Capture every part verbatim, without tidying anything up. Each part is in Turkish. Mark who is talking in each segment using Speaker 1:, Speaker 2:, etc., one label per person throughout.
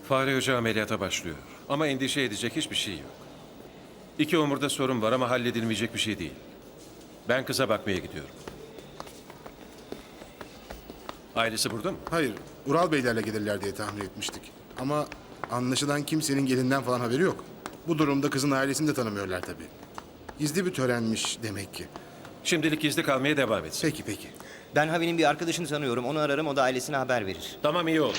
Speaker 1: Fare Hoca ameliyata başlıyor. Ama endişe edecek hiçbir şey yok. İki omurda sorun var ama halledilmeyecek bir şey değil. Ben kıza bakmaya gidiyorum. Ailesi burada mı?
Speaker 2: Hayır, Ural Beylerle gelirler diye tahmin etmiştik. Ama anlaşılan kimsenin gelinden falan haberi yok. Bu durumda kızın ailesini de tanımıyorlar tabii. Gizli bir törenmiş demek ki.
Speaker 1: Şimdilik gizli kalmaya devam etsin.
Speaker 2: Peki peki.
Speaker 3: Ben Havi'nin bir arkadaşını tanıyorum. Onu ararım, o da ailesine haber verir.
Speaker 1: Tamam, iyi oldu.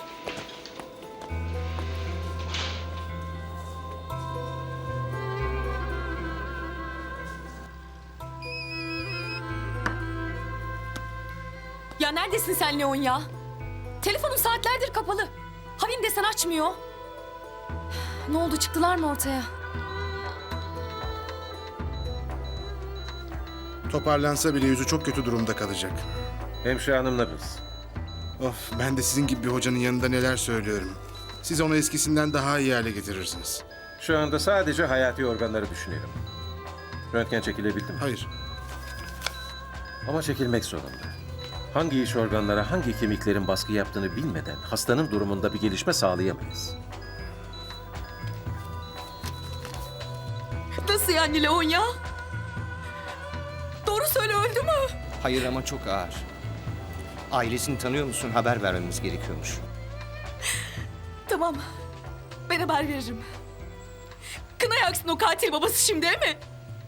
Speaker 4: Ya neredesin sen Leon ya? Telefonum saatlerdir kapalı. Havin desen açmıyor. Ne oldu, çıktılar mı ortaya?
Speaker 2: Toparlansa bile yüzü çok kötü durumda kalacak.
Speaker 1: Hemşire hanımla biz.
Speaker 2: Of, ben de sizin gibi bir hocanın yanında neler söylüyorum. Siz onu eskisinden daha iyi hale getirirsiniz.
Speaker 1: Şu anda sadece hayati organları düşünelim. Röntgen çekilebildi mi?
Speaker 2: Hayır,
Speaker 1: Ama çekilmek zorunda. Hangi iç organlara hangi kemiklerin baskı yaptığını bilmeden hastanın durumunda bir gelişme sağlayamayız.
Speaker 4: Nasıl yani Leon ya? Doğru söyle, öldü mü?
Speaker 3: Hayır ama çok ağır. Ailesini tanıyor musun? Haber vermemiz gerekiyormuş.
Speaker 4: Tamam. Ben haber veririm. Kına yaksın o katil babası şimdi, değil mi?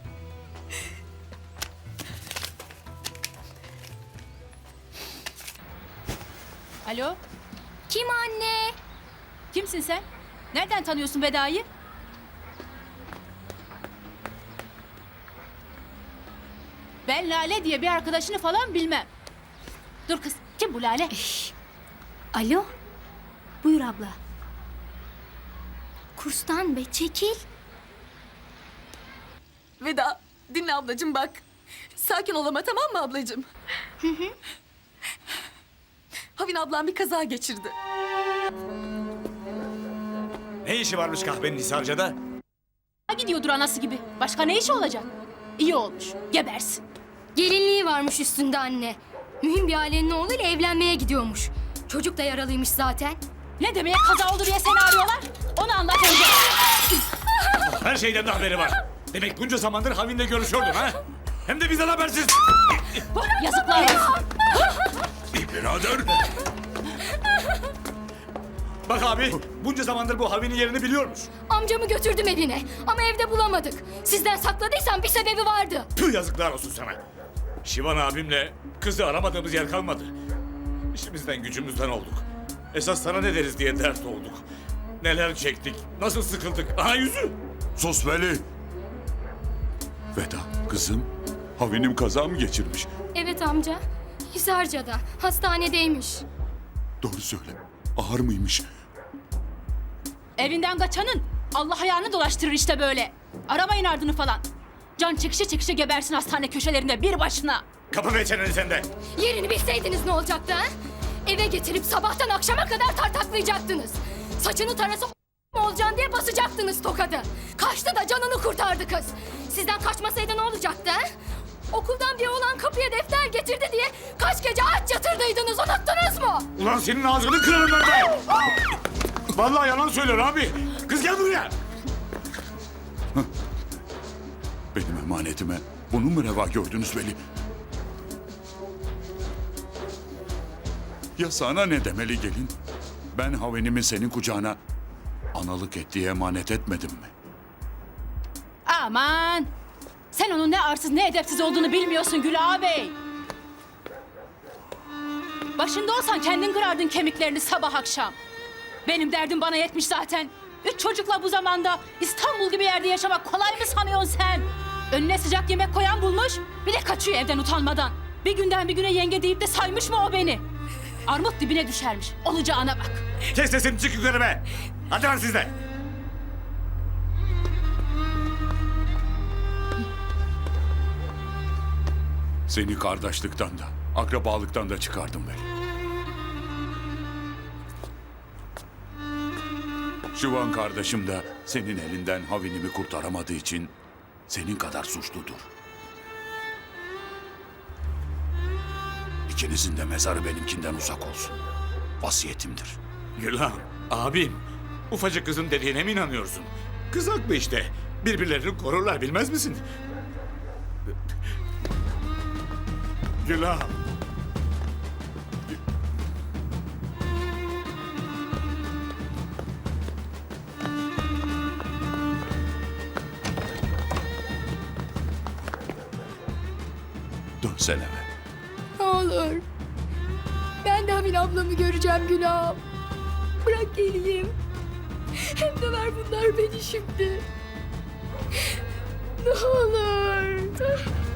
Speaker 5: Alo,
Speaker 6: Kim anne?
Speaker 5: kimsin sen? Nereden tanıyorsun Veda'yı? Ben Lale diye bir arkadaşını falan bilmem. Dur kız, kim bu Lale?
Speaker 6: Alo. Buyur abla. Kurstan be, çekil.
Speaker 4: Veda, dinle ablacığım bak. Sakin ol ama, tamam mı ablacığım? Hı hı. Havin ablam bir kaza geçirdi.
Speaker 7: Ne işi varmış kahvenin Hisarca'da?
Speaker 5: Gidiyordur anası gibi. Başka ne işi olacak? İyi olmuş, gebersin.
Speaker 6: Gelinliği varmış üstünde anne. Mühim bir ailenin oğluyla evlenmeye gidiyormuş. Çocuk da yaralıymış zaten.
Speaker 5: Ne demeye kaza oldu diye seni arıyorlar? Onu anlat önce.
Speaker 7: Her şeyden de haberi var. Demek bunca zamandır Havin'le görüşüyordun ha? Hem de bizden habersiz.
Speaker 5: Yazıklar olsun.
Speaker 7: Birader. Bak abi, bunca zamandır bu Havin'in yerini biliyormuş.
Speaker 6: Amcamı götürdüm evine ama evde bulamadık. Sizden sakladıysam bir sebebi vardı.
Speaker 7: Tüh, yazıklar olsun sana. Şivan abimle kızı aramadığımız yer kalmadı. İşimizden gücümüzden olduk. Esas sana ne deriz diye dert olduk. Neler çektik, nasıl sıkıldık. Aha yüzü.
Speaker 8: Sus Veli. Veda kızım, Havinim kaza mı geçirmiş?
Speaker 6: Evet amca. Hisarca'da, hastanedeymiş.
Speaker 8: Doğru söyle. Ağır mıymış?
Speaker 5: Evinden kaçanın Allah ayağını dolaştırır işte böyle. Aramayın ardını falan. Can çekişe çekişe gebersin hastane köşelerinde bir başına.
Speaker 7: Kapı ve çeneni sende.
Speaker 6: Yerini bilseydiniz ne olacaktı ha? Eve getirip sabahtan akşama kadar tartaklayacaktınız. Saçını tarası olacaksın diye basacaktınız tokadı. Kaçtı da canını kurtardı kız. Sizden kaçmasaydı ne olacaktı ha? Okuldan bir oğlan kapıya defter getirdi diye kaç gece aç yatırdıydınız, unuttunuz mu?
Speaker 7: Ulan senin ağzını kırarım ben de. Vallahi yalan söylüyor abi. Kız gel buraya.
Speaker 8: Benim emanetime bunu mu reva gördünüz Veli? Ya sana ne demeli gelin? Ben Havinimi senin kucağına analık et diye emanet etmedim mi?
Speaker 5: Aman! Sen onun ne arsız ne edepsiz olduğunu bilmiyorsun Gül ağabey. Başında olsan kendin kırardın kemiklerini sabah akşam. Benim derdim bana yetmiş zaten. Üç çocukla bu zamanda İstanbul gibi yerde yaşamak kolay mı sanıyorsun sen? Önüne sıcak yemek koyan bulmuş, bir de kaçıyor evden utanmadan. Bir günden bir güne yenge deyip de saymış mı o beni? Armut dibine düşermiş, olacağına bak.
Speaker 7: Kes sesini, çık yukarı be. Hadi lan siz de.
Speaker 8: Seni kardeşlikten de, akrabalıktan da çıkardım Veli. Şivan kardeşim de senin elinden Havinimi kurtaramadığı için senin kadar suçludur. İkinizin de mezarı benimkinden uzak olsun. Vasiyetimdir.
Speaker 7: Gülhan, abim. Ufacık kızın dediğine mi inanıyorsun? Kız haklı işte. Birbirlerini korurlar bilmez misin? Gülağım.
Speaker 8: Dönsene be.
Speaker 6: Ne olur. Ben de Havin ablamı göreceğim Gülağım. Bırak geleyim. Hem de ver bunlar beni şimdi. Ne olur.